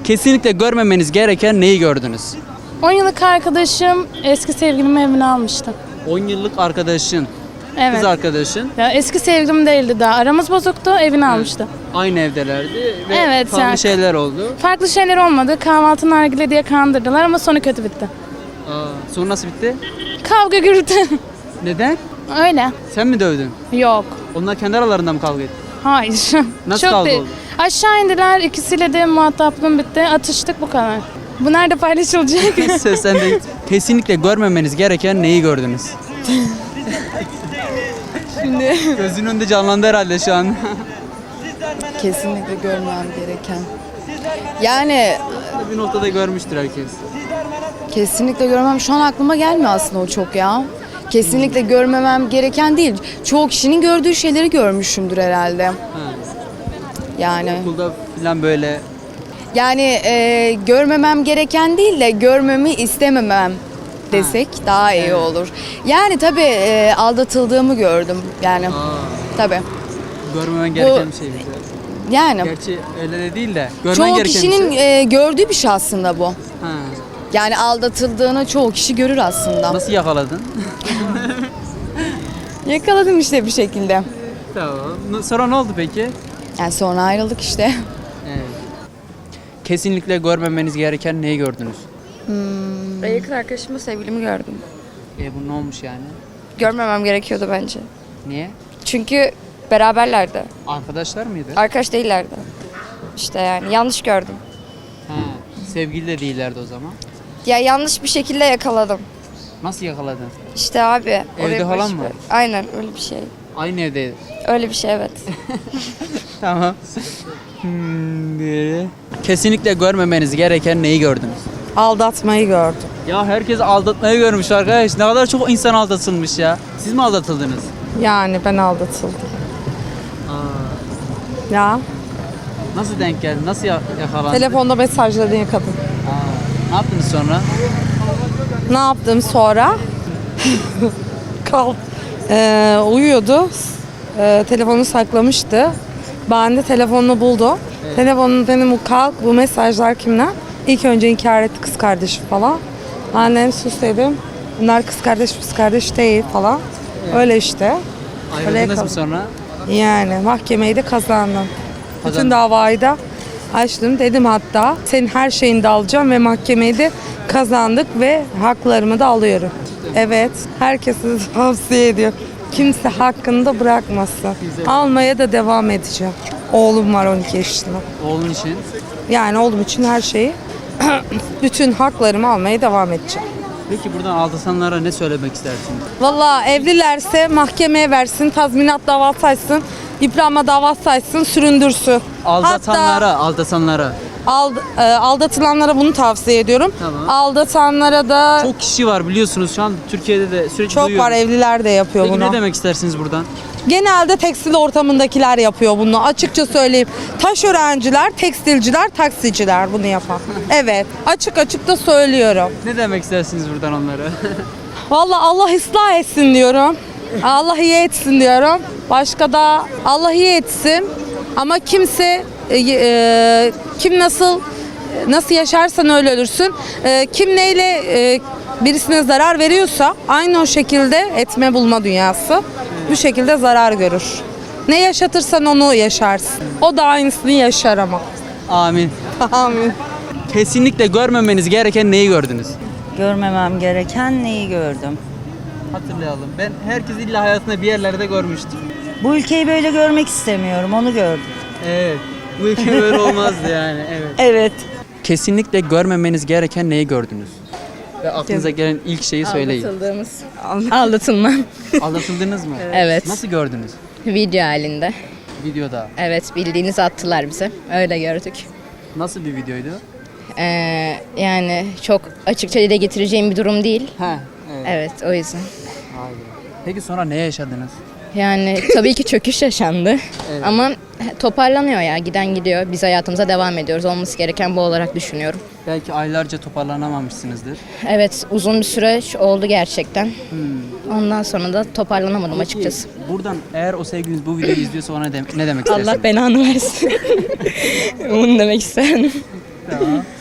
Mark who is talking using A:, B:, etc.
A: Kesinlikle görmemeniz gereken neyi gördünüz?
B: 10 yıllık arkadaşım eski sevgilimi evine almıştı.
A: 10 yıllık arkadaşın,
B: Evet.
A: kız arkadaşın
B: Ya eski sevgilim değildi daha. Aramız bozuktu, evine almıştı.
A: aynı evdelerdi ve
B: Evet,
A: farklı
B: yani-
A: şeyler oldu.
B: Farklı şeyler olmadı. Kahvaltı nargile diye kandırdılar ama sonu kötü bitti.
A: Sonra nasıl bitti?
B: Kavga gürültü.
A: Neden?
B: Öyle.
A: Sen mi dövdün?
B: Yok.
A: Onlar kendi aralarında mı kavga etti?
B: Hayır.
A: Nasıl
B: Çok
A: kavga
B: değil.
A: oldu?
B: Aşağı indiler. İkisiyle de muhataplığım bitti. Atıştık, bu kadar. Bu nerede paylaşılacak?
A: Söz sende. Kesinlikle görmemeniz gereken neyi gördünüz?
B: Şimdi.
A: Gözünün önünde canlandı herhalde şu an.
C: Kesinlikle görmem gereken. Yani
A: Bir noktada görmüştür herkes.
C: kesinlikle görmem. Şu an aklıma gelmiyor aslında o çok ya. Kesinlikle görmemem gereken değil. Çoğu kişinin gördüğü şeyleri görmüşümdür herhalde.
A: Ha.
C: Yani
A: Okulda falan böyle.
C: görmemem gereken değil de görmemi istememem desek daha iyi olur. Yani tabii aldatıldığımı gördüm. Yani tabii.
A: Görmemen gereken bir şey.
C: Yani
A: Gerçi öyle de değil de. Görmen
C: çoğu
A: gereken bir
C: kişinin
A: şey.
C: gördüğü bir şey aslında bu.
A: Ha.
C: Yani aldatıldığını çoğu kişi görür aslında.
A: Nasıl yakaladın?
C: Yakaladım işte bir şekilde.
A: Tamam. Sonra ne oldu peki?
C: Yani sonra ayrıldık işte.
A: Evet. Kesinlikle görmemeniz gereken neyi gördünüz?
D: Ben yakın arkadaşımla sevgilimi gördüm.
A: Bu ne olmuş yani?
D: Görmemem gerekiyordu bence.
A: Niye?
D: Çünkü beraberlerdi.
A: Arkadaşlar mıydı?
D: Arkadaş değillerdi. İşte yani yanlış gördüm.
A: Ha. Sevgili de değillerdi o zaman.
D: Ya yanlış bir şekilde yakaladım.
A: Nasıl yakaladın?
D: İşte abi.
A: Evde
D: oraya
A: falan
D: barış
A: mı?
D: ver- Aynen öyle bir şey.
A: Aynı evde.
D: Öyle bir şey evet.
A: Tamam. Kesinlikle görmemeniz gereken neyi gördünüz?
E: Aldatmayı gördüm.
A: Ya herkes aldatmayı görmüş arkadaş. Ne kadar çok insan aldatılmış ya. Siz mi aldatıldınız?
E: Yani ben aldatıldım. Ya
A: Nasıl denk geldi? Nasıl yakalandın?
E: telefonda mesajladığın kadın.
A: Ne yaptınız sonra?
E: Ne yaptım sonra? Uyuyordu. Telefonu saklamıştı. Ben de telefonunu buldum. Telefonunu dedim kalk bu mesajlar kimden? İlk önce inkar etti kız kardeşi falan. Annem sus dedim. Bunlar kız kardeş değil falan. Öyle işte.
A: Ayrıldınız mı
E: yakaladım.
A: sonra?
E: Yani mahkemeyi de kazandım. Bütün
A: Kazandın.
E: davayı da açtım. Dedim hatta senin her şeyini de alacağım ve mahkemeyi de kazandık ve haklarımı da alıyorum. Evet, herkese tavsiye ediyorum. Kimse hakkını da bırakmasın. Almaya da devam edeceğim. Oğlum var 12 yaşında.
A: Oğlun için.
E: Yani oğlum için her şeyi, bütün haklarımı almaya devam edeceğim.
A: Peki buradan aldatanlara ne söylemek istersiniz?
E: Vallahi evlilerse mahkemeye versin, tazminat davası açsın, yıpranma davası açsın, süründürsün.
A: Aldatanlara.
E: Aldatılanlara bunu tavsiye ediyorum.
A: Tamam.
E: Aldatanlara da
A: Çok kişi var biliyorsunuz şu an Türkiye'de de sürekli
E: çok
A: duyuyoruz.
E: var, evliler de yapıyor
A: Peki
E: bunu.
A: ne demek istersiniz buradan?
E: Genelde tekstil ortamındakiler yapıyor bunu. Açıkça söyleyeyim. Taşörenciler, tekstilciler, taksiciler bunu yapan. Evet. Açık açık da söylüyorum.
A: Ne demek istersiniz buradan onlara?
E: Vallahi Allah ıslah etsin diyorum. Allah iyi etsin diyorum. Başka da Allah iyi etsin. Ama kimse kim nasıl yaşarsan öyle ölürsün. Kim neyle birisine zarar veriyorsa aynı o şekilde etme bulma dünyası. Bu şekilde zarar görür. Ne yaşatırsan onu yaşarsın. O da aynısını yaşar ama.
A: Amin.
E: Amin.
A: Kesinlikle görmemeniz gereken neyi gördünüz?
F: Görmemem gereken neyi gördüm?
A: Hatırlayalım. Ben herkes illa hayatında bir yerlerde görmüştür.
F: Bu ülkeyi böyle görmek istemiyorum, onu gördüm.
A: Evet. Bu ülke böyle olmazdı yani. Evet.
F: Evet.
A: Kesinlikle görmemeniz gereken neyi gördünüz? Ve aklınıza gelen ilk şeyi söyleyin.
B: Aldatılma.
A: Aldatıldınız mı?
B: Evet.
A: Nasıl gördünüz?
B: Video halinde.
A: Videoda.
B: Evet, bildiğinizi attılar bize. Öyle gördük.
A: Nasıl bir videoydu?
B: Yani çok açıkça dile getireceğim bir durum değil.
A: Ha. Evet.
B: Evet, o yüzden.
A: Hayır. Peki sonra ne yaşadınız?
B: Yani tabii ki çöküş yaşandı.
A: Evet.
B: Ama toparlanıyor ya. Giden gidiyor. Biz hayatımıza devam ediyoruz. Olması gereken bu olarak düşünüyorum.
A: Belki aylarca toparlanamamışsınızdır.
B: Evet, uzun bir süreç oldu gerçekten. Ondan sonra da toparlanamadım açıkçası.
A: Buradan eğer o sevgiliniz bu videoyu izliyorsa ona ne demek istersiniz?
B: Allah belanı versin. Bunu demek isterim.
G: Tamam.